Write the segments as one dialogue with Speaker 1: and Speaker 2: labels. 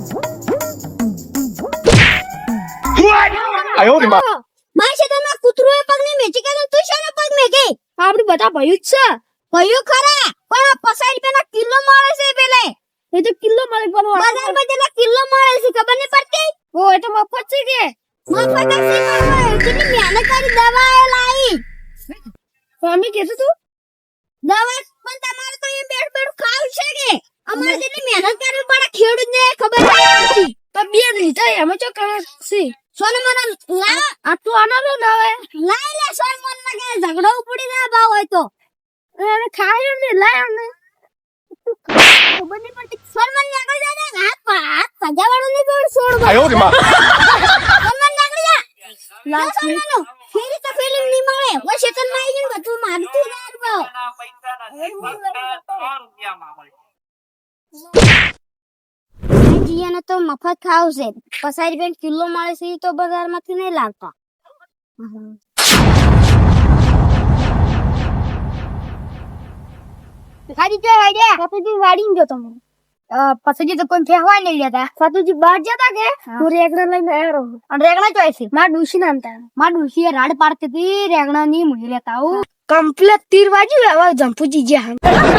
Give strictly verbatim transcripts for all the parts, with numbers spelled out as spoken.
Speaker 1: 哎呦我的妈！
Speaker 2: મારા શેતાનમાં કૂતરોએ પગ નહીં મેચી કે તું શાનો પગ મેકે
Speaker 3: આપડે બધા ભયું જ છે
Speaker 2: ભયો ખરા પણ આ પચાસ રૂપિયાનો કિલો મળે છે પેલે
Speaker 3: એ તો કિલો મળે પણ
Speaker 2: બજારમાં જેટલા કિલો મળે છે ખબર નહીં પડતી
Speaker 3: ઓ એ તો મફત છે કે
Speaker 2: મફત જ છે પણ કેટલી મહેનત કરી દવા એ લાવી
Speaker 3: સ્વામી કહેતો તું
Speaker 2: દવા પણ તમારે તો એ બેઠ બેઠ ખાવ છે કે અમારે જેટલી મહેનત કરવી પડે ખેડૂતને ખબર નહીં પડતી
Speaker 3: તો બે લીધા એમાં ચો કરે છે
Speaker 2: સોને મને લા
Speaker 3: આ તો આનો તો ના આવે
Speaker 2: લાઈ લે સોય મન લાગે ઝઘડો ઉપડી ના ભાવ હોય તો
Speaker 3: અરે ખાયો ને લાયો ને
Speaker 2: ખબર નહીં પડતી સોન મન નીકળી જા ને હાથ હાથ સજાવાળું નહીં બોલ છોડ
Speaker 1: 哎呦我的妈！
Speaker 2: સોન મન નીકળી જા લા સોન મનો ફેરી તો ફેરી નહીં મળે ઓ શેતન માં આવી ગયું બધું મારતું યાર ભાવ જીયાને તો મફત ખાવ છે પચાસ રૂપિયા કિલો મળે છે તો બજારમાંથી નહીં લાવતા
Speaker 3: ખાલી જો આઈડિયા સાતુજી વાડીને ગયો તમે પછી તો કોઈ ફેહવા નહીં લેતા સાતુજી બહાર જતા કે હું રેગણા લઈને આવ્યો અને રેગણા ચોય છે માર ડુસી નામ તા માર ડુસી રાડ પાડતી હતી રેગણા ની મુઈ લેતા હું કમ્પ્લીટ તીર વાજી હવે જંપુજી જ્યાં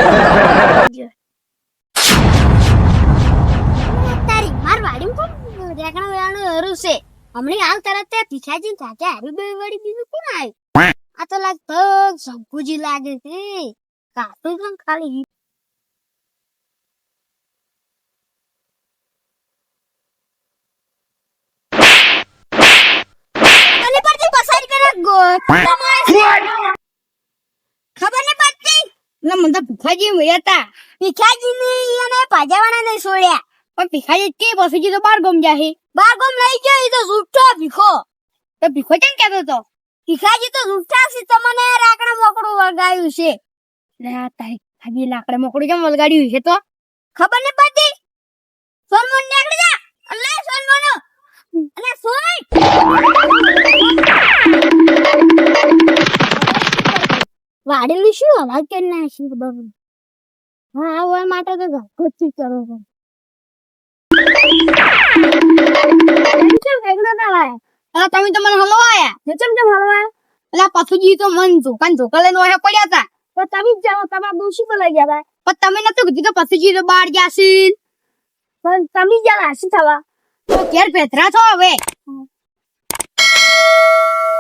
Speaker 2: તારી માર વાડીમાં કોણ રેગણા વેળાનું હરું છે હમણાં હાલ તરત તે ભીખાજી ચાચા હારી બે વાડી બીજું કોણ આવ્યું આ તો લાગતો શંકુજી લાગે છે કાતું પણ ખાલી મને પડતી પસાર કરે ગો ખબર નહીં પડતી
Speaker 3: એટલે મને તો ભૂખાજી મળ્યા હતા
Speaker 2: ભીખાજી ને એને પાજાવાના નહીં છોડ્યા
Speaker 3: પણ ભીખાજી કે પછી તો બાર ગમ જાહે
Speaker 2: બાર ગમ લઈ ગયો એ તો જૂઠો ભીખો
Speaker 3: તો ભીખો કેમ કહેતો તો
Speaker 2: ભીખાજી તો જૂઠા છે તમને રાકડા મોકળું વળગાયું છે
Speaker 3: લે તારી ખાલી લાકડે મોકળું કેમ વલગાડ્યું છે તો
Speaker 2: ખબર નહીં પડતી સોનમોન નીકળી જા અલ્લા સોનમોનો અલે સોય વાડેલું શું અવાજ કરી નાખી બાબુ હા હોય માટે તો ગોચી કરો છો
Speaker 3: કેમ રેગણા ના લાયા અરે તમે તો મને હલવાયા ને ચમ ચમ હલવાયા એટલે પથુજી તો મન ધોકાન ધોકા લઈને ઓહે પડ્યા હતા તો તમે જ જાઓ તમારા દોશી પર લઈ ગયા હતા પણ તમે નતું કીધું કે પથુજી તો બહાર ગયા છે પણ તમે જ ગયા હાસી થવા તો ઘેર ભેતરા છો હવે